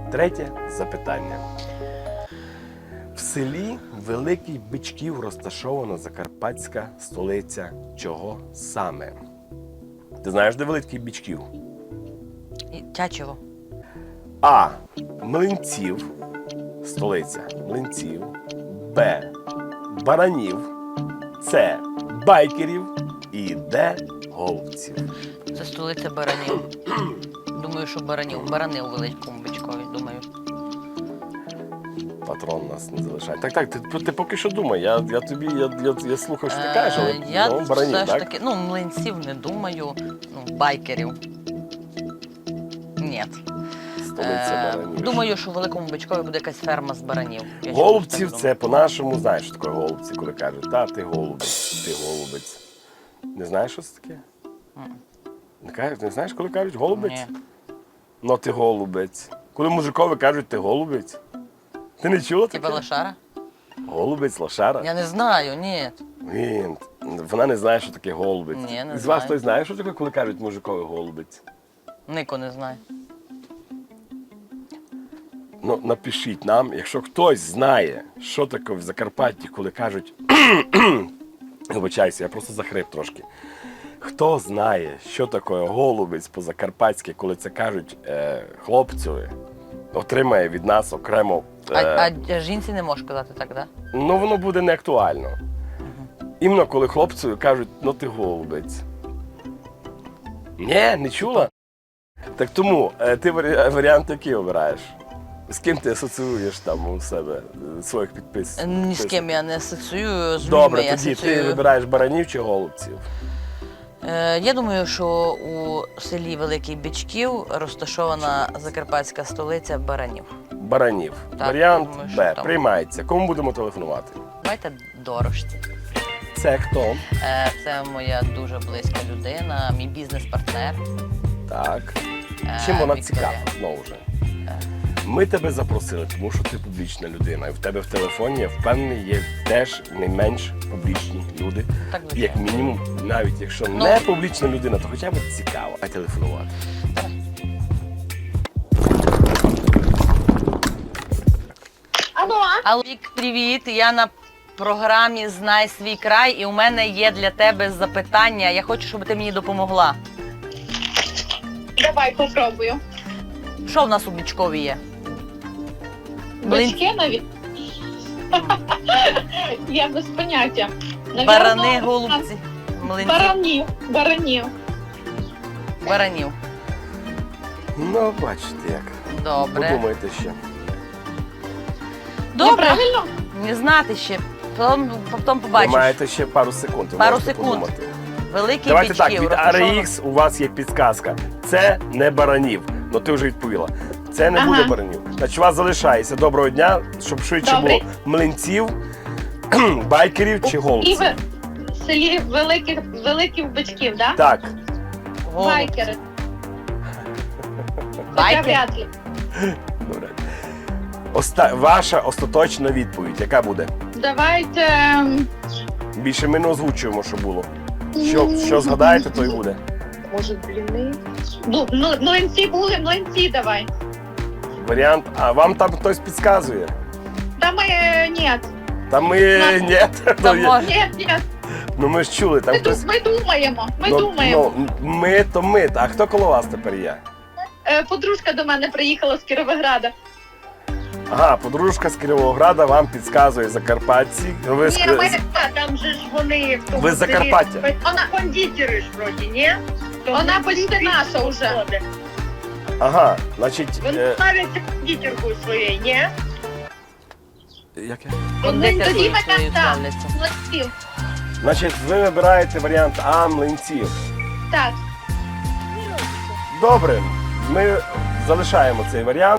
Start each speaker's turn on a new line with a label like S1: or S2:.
S1: Третє запитання. В селі Великий Бичків розташована закарпатська столиця чого саме? Ти знаєш, де Великий Бичків?
S2: Тячево.
S1: А. Млинців. Столиця Млинців. Б. Баранів. С. Байкерів. І Д. Голубців.
S2: Це столиця баранів. Думаю, що баранів. Барани у Великому Бичкові, думаю.
S1: Патрон нас не залишає. Так, ти поки що думай. Я слухаю, що ти кажеш, але
S2: Я
S1: баранів,
S2: все ж
S1: так?
S2: таки, млинців не думаю, байкерів. Ні.
S1: Столиця баранів.
S2: Думаю, що в Великому Бичкові буде якась ферма з баранів. Я
S1: Голубців
S2: чомусь
S1: це
S2: так
S1: по-нашому, знаєш, що таке голубці, коли кажуть, та ти голубець, ти голубець. Не знаєш, що це таке? Не знаєш, коли кажуть голубець?
S2: Ні.
S1: Ну ти голубець. Коли мужикові кажуть, ти голубець. Ти не чула таке?
S2: Типа лошара?
S1: Голубець, лошара?
S2: Я не знаю, ні.
S1: Він. Вона не знає, що таке голубець.
S2: Ні, не
S1: З вас
S2: знаю.
S1: хтось знає, що таке, коли кажуть мужикові голубець?
S2: Нико не знає.
S1: Ну, напишіть нам, якщо хтось знає, що таке в Закарпатті, коли кажуть. Вибачайся, я просто захрип трошки. Хто знає, що таке голубець по-закарпатськи, коли це кажуть хлопцеві, отримає від нас окремо.
S2: А жінці не можеш казати так, да?
S1: Ну, воно буде не актуально. Іменно коли хлопцеві кажуть, ну ти голубець. Ні, не чула? Так тому ти варіант який обираєш? З ким ти асоціюєш там у себе своїх підписів?
S2: Ні з ким я не асоціюю, з людьми
S1: Добре,
S2: я
S1: тоді ти
S2: асоціюю.
S1: вибираєш баранів чи голубців?
S2: Я думаю, що у селі Великий Бичків розташована закарпатська столиця баранів.
S1: Баранів.
S2: Так,
S1: Варіант
S2: думаю, що
S1: Б.
S2: там.
S1: Приймається. Кому будемо телефонувати?
S2: Давайте дорожці.
S1: Це хто?
S2: Це моя дуже близька людина, мій бізнес-партнер.
S1: Так. Чим вона
S2: Вікторія.
S1: цікава, знову ж? Ми тебе запросили, тому що ти публічна людина. І в тебе в телефоні, я впевнений, є теж не менш публічні люди.
S2: Так, звичайно.
S1: Як мінімум, навіть якщо не публічна людина, то хоча б цікаво. А телефонувати.
S2: Алло, Вік, привіт. Я на програмі Знай свій край, і у мене є для тебе запитання. Я хочу, щоб ти мені допомогла.
S3: Давай попробую.
S2: Що в нас у Бичкові є?
S3: Бички навіть. Я без поняття. Навірно,
S2: Барани, голубці, млинці,
S3: Баранів.
S2: баранів.
S1: Ну, бачите як.
S2: Добре.
S1: Подумайте ще.
S3: Я
S2: Добре.
S3: правильно?
S2: Не знати ще. Потім
S1: Ви
S2: побачиш.
S1: маєте ще пару секунд. ви
S2: Пару
S1: можете
S2: секунд.
S1: подумати.
S2: Великий
S1: Давайте так,
S2: Бичків.
S1: від
S2: розташовано-
S1: RX у вас є підказка. Це не баранів. Ну ти вже відповіла. Це не
S3: Ага.
S1: буде баранів. Значить, у вас залишається доброго дня, щоб швидше
S3: Добре.
S1: було млинців, байкерів чи
S3: І
S1: голубців.
S3: в селі великих Бичків, да?
S1: Так.
S2: Голуб.
S3: Байкери. Хоча
S2: Байкер?
S3: вряд ли.
S1: Добре. Ваша остаточна відповідь, яка буде?
S3: Давайте.
S1: Більше ми не озвучуємо, що було. Що згадаєте, то й буде.
S3: Може, бліни? Млинці були, млинці давай.
S1: Варіант, а вам там хтось підказує?
S3: Та ми ні.
S1: Та ми ні.
S2: Та може.
S3: Ні.
S1: Ну ми ж чули, там хтось.
S3: Ми думаємо. Ми думаємо.
S1: Ну, ми то ми. А хто коло вас тепер є?
S3: Подружка до мене приїхала з Кіровограда.
S1: Ага, подружка з Кіровограда вам підказує закарпатці. Ви
S3: Ні, там же ж вони в тому
S1: Ви з Закарпаття?
S3: селі. Вона кондитери ж вроді, ні? Вона почти наша вже.
S1: Ага, значить.
S3: Вона навіть кондитеркою своєю, ні?
S1: Яке?
S2: Кондитеркою
S3: Тоді мене
S2: своєю
S3: так.
S2: славляться.
S3: Млинців.
S1: Значить, ви вибираєте варіант А млинців.
S3: Так.
S1: Добре, ми залишаємо цей варіант.